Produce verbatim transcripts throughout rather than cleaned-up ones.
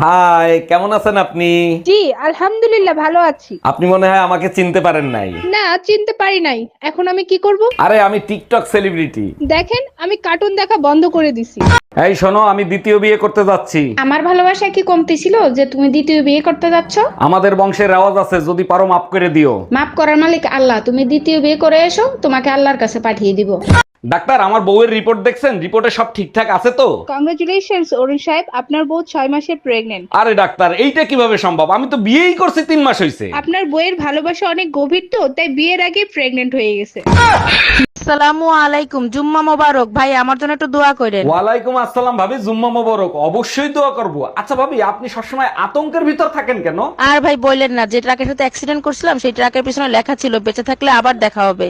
High, কেমন আছেন আপনি? জি আলহামদুলিল্লাহ ভালো আছি। আপনি মনে হয় আমাকে চিনতে পারেন নাই। না চিনতে পারি নাই। এখন আমি কি করব? আরে আমি টিকটক সেলিব্রিটি। দেখেন আমি কার্টুন দেখা বন্ধ করে দিছি। এই শোনো, আমি দ্বিতীয় বিয়ে করতে যাচ্ছি। আমার ভালোবাসা কি কমতি ছিল যে তুমি দ্বিতীয় বিয়ে করতে যাচ্ছ? আমাদের বংশের রেওয়াজ আছে, যদি পারো মাফ করে দিও। মাফ করার মালিক আল্লাহ, তুমি দ্বিতীয় বিয়ে করে এসো, তোমাকে আল্লাহর কাছে পাঠিয়ে দিব। ডাক্তার, আমার বউয়ের রিপোর্ট দেখছেন? রিপোর্টে সব ঠিকঠাক আছে তো? কংগ্রেচুলেশনস অরুণ সাহেব, আপনার বউ ছয় মাসের প্রেগনেন্ট। আরে ডাক্তার, এইটা কিভাবে সম্ভব? আমি তো বিয়েই করছি তিন মাস হয়েছে। আপনার বউয়ের ভালোবাসা অনেক গভীর তো, তাই বিয়ের আগে প্রেগনেন্ট হয়ে গেছে। আসসালামু আলাইকুম, জুম্মা মোবারক। ভাই আমার জন্য একটু দোয়া করেন। ওয়ালাইকুম আসসালাম ভাবি, জুম্মা মোবারক। অবশ্যই দোয়া করব। আচ্ছা ভাবি, আপনি সবসময় আতঙ্কের ভিতর থাকেন কেন? আর ভাই বললেন না, যে ট্রাকের সাথে অ্যাক্সিডেন্ট করছিলাম সেই ট্রাকের পিছনে লেখা ছিল বেঁচে থাকলে আবার দেখা হবে।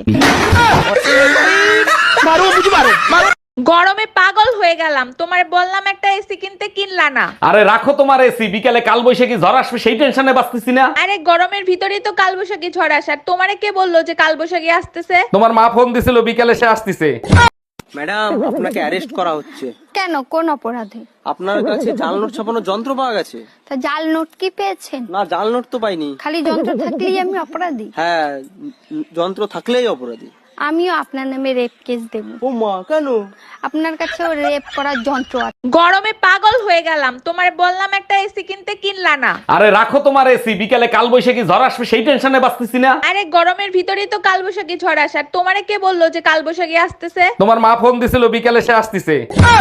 গরমে পাগল হয়ে গেলাম, তোমার বললাম একটা এসি কিনতে, কিনলা না। আরে রাখো তোমার এসি, বিকালে কাল বৈশাখী ঝড় আসবে সেই টেনশনে বাঁচতেছি না। আরে গরমের ভিতরেই তো কালবৈশাখী ঝড় আসার, তোমারে কে বললো যে কালবৈশাখী আসতেছে? তোমার মা ফোন দিছিল বিকালে সে আসতেছে। ম্যাডাম, আপনাকে অ্যারেস্ট করা হচ্ছে। কেন, কোন অপরাধে? আপনার কাছে জাল নোট ছাপানোর যন্ত্র পাওয়া গেছে। তা জাল নোট কি পেয়েছেন? না, জাল নোট তো পাইনি। খালি যন্ত্র থাকলেই আমি অপরাধী? হ্যাঁ, উম, যন্ত্র থাকলেই অপরাধী। আমিও আপনার নামে রেপ কেস দেব। ও মা, কেন? আপনার কাছেও রেপ করার যন্ত্র আছে। গরমে পাগল হয়ে গেলাম, তোমার বললাম একটা এসি কিনতে, কিনলা না। আরে রাখো তোমার এসি, বিকালে কাল বৈশাখী ঝড় আসবে সেই টেনশনে বাঁচতেছি না। আরে গরমের ভিতরেই তো কালবৈশাখী ঝড় আসার, তোমারে কে বললো যে কালবৈশাখী আসতেছে? তোমার মা ফোন দিছিল বিকালে সে আসতেছে।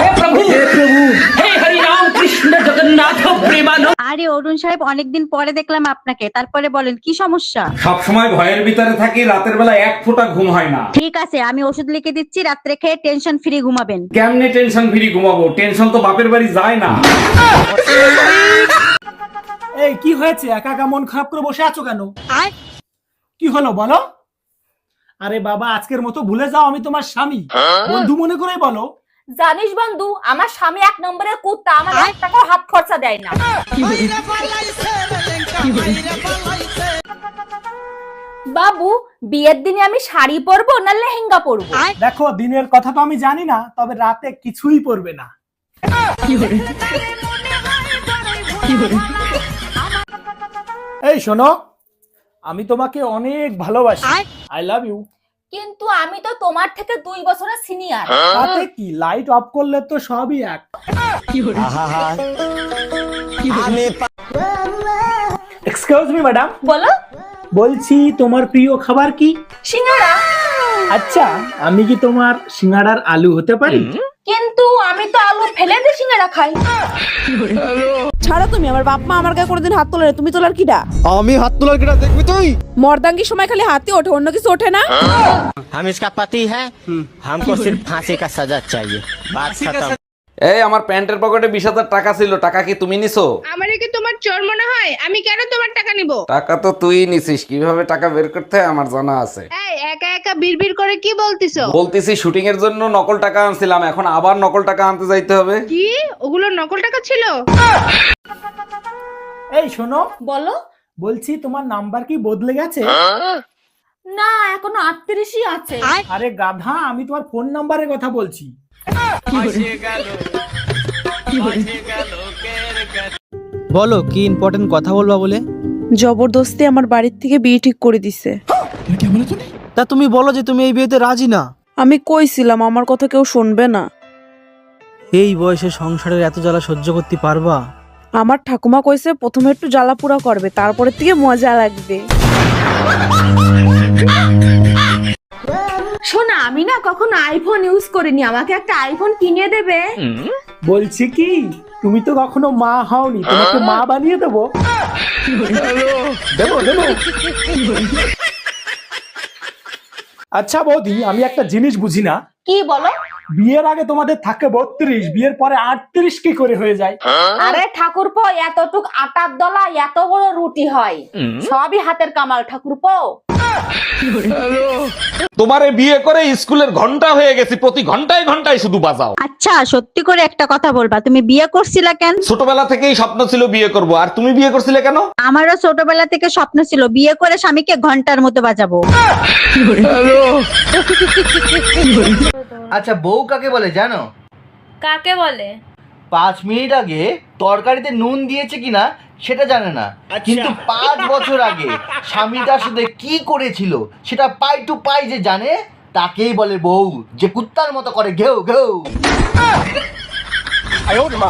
আরে অরুণ সাহেব, অনেকদিন পরে দেখলাম আপনাকে, তারপরে বলেন কি সমস্যা? সব সময় ভয়ের ভিতরে থাকি, রাতের বেলা এক ফোঁটা ঘুম হয় না। ঠিক আছে, আমি ওষুধ লিখে দিচ্ছি, রাত্রে খেয়ে টেনশন ফ্রি ঘুমাবেন। কেমনে টেনশন ফ্রি ঘুমাবো? টেনশন তো বাপের বাড়ি যায় না। এই কি হয়েছে? একা একা মন খারাপ করে বসে আছো কেন? কি হলো বলো? আরে বাবা, আজকের মতো ভুলে যাও আমি তোমার স্বামী। বন্ধু মনে করে বলো। জানিস বন্ধু, আমার স্বামী এক নম্বরের কুত্তা, আমার এক টাকাও হাত খরচা দেয় না। বাবু, বিয়ের দিনে আমি শাড়ি পরবো না লেহেঙ্গা পরবো? দেখো, দিনের কথা তো আমি জানি না, তবে রাতে কিছুই পরবে না। এই শোনো, আমি তোমাকে অনেক ভালোবাসি। I love you. কিন্তু আমি তো তোমার থেকে দুই বছরের সিনিয়র। তাতে কি, লাইট অফ করলে তো সবই এক। এক্সকিউজ মি ম্যাডাম, বলো। বলছি তোমার প্রিয় খাবার কি? সিঙ্গারা। আচ্ছা, আমি কি তোমার সিঙ্গাড়ার আলু হতে পারি? কিন্তু আমি তো আলু ফেলে দিয়ে সিঙ্গারা খাই। ছাড়ো তুমি, আমার বাপ মা আমার গায়ে কোনোদিন হাত তোলে না, তুমি তোলার কিটা? আমি হাত তোলার কিটা দেখবি তুই? মর্দাঙ্গির সময় খালি হাতে ওঠে, অন্য কিছু ওঠে না। हम इसका पति है, हमको सिर्फ फांसी का सजा चाहिए। बात खत्म। এই আমার প্যান্টের পকেটে বিশ হাজার টাকা ছিল, টাকা কি তুমি নিছো? আমারে কি তোমার চোর মনে হয়? আমি কেন তোমার টাকা নিব? টাকা তো তুই নিছিস, কিভাবে টাকা বের করতে হয় আমার জানা আছে। এই একা একা বিড়বিড় করে কি বলতিছো? বলতেছি শুটিং এর জন্য নকল টাকা আনছিলাম, এখন আবার নকল টাকা আনতে যাইতে হবে। কি ওগুলো নকল টাকা ছিল? এই শোনো, বলো। বলছি তোমার নাম্বার কি বদলে গেছে? না, এখনো আটত্রিশই আছে। আরে গাধা, আমি তোমার ফোন নাম্বারের কথা বলছি। বলো, কি ইম্পর্টেন্ট কথা বলবা বলে? জবরদস্তি আমার বাড়ির থেকে বিয়ে ঠিক করে দিছে। তা তুমি বলো যে তুমি এই বিয়েতে রাজি না। আমি কইছিলাম আমার কথা কেউ শুনবে না। এই বয়সে সংসারের এত জ্বালা সহ্য করতে পারবা? আমার ঠাকুমা কইছে প্রথমে একটু জ্বালাপুরা করবে, তারপরে থেকে মজা লাগবে। শোনা, আমি না কখনো আইফোন ইউজ করিনি, আমাকে একটা আইফোন কিনে দেবে? বলছি কি, তুমি তো কখনো মা হওনি, তোমাকে মা বানিয়ে দেবো। দেবো দেবো। আচ্ছা বৌদি, আমি একটা জিনিস বুঝি না। কি বলো? বিয়ের আগে তোমাদের থাকে বত্রিশ, বিয়ের পরে আটত্রিশ কি করে হয়ে যায়? আরে ঠাকুরপো, এতটুক আটার দলা এত বড় রুটি হয়, সবই হাতের কামাল ঠাকুরপো। তোমারে বিয়ে করে স্কুলের ঘন্টা হয়ে গেছি, প্রতি ঘন্টায় ঘন্টায় শুধু বাজাও। আচ্ছা, সত্যি করে একটা কথা বলবা, তুমি বিয়ে করছিলা কেন? ছোটবেলা থেকেই স্বপ্ন ছিল বিয়ে করব, আর তুমি বিয়ে করছিলে কেন? আমারও ছোটবেলা থেকে স্বপ্ন ছিল বিয়ে করে স্বামীকে ঘন্টার মতো বাজাবো। আচ্ছা, বউ কাকে বলে জানো? কাকে বলে? পাঁচ মিনিট আগে তরকারিতে নুন দিয়েছে কিনা সেটা জানে না, কিন্তু পাঁচ বছর আগে স্বামী তার সাথে কি করেছিল সেটা পাই টু পাই যে জানে, তাকেই বলে বউ, যে কুত্তার মতো করে ঘেউ ঘেউ।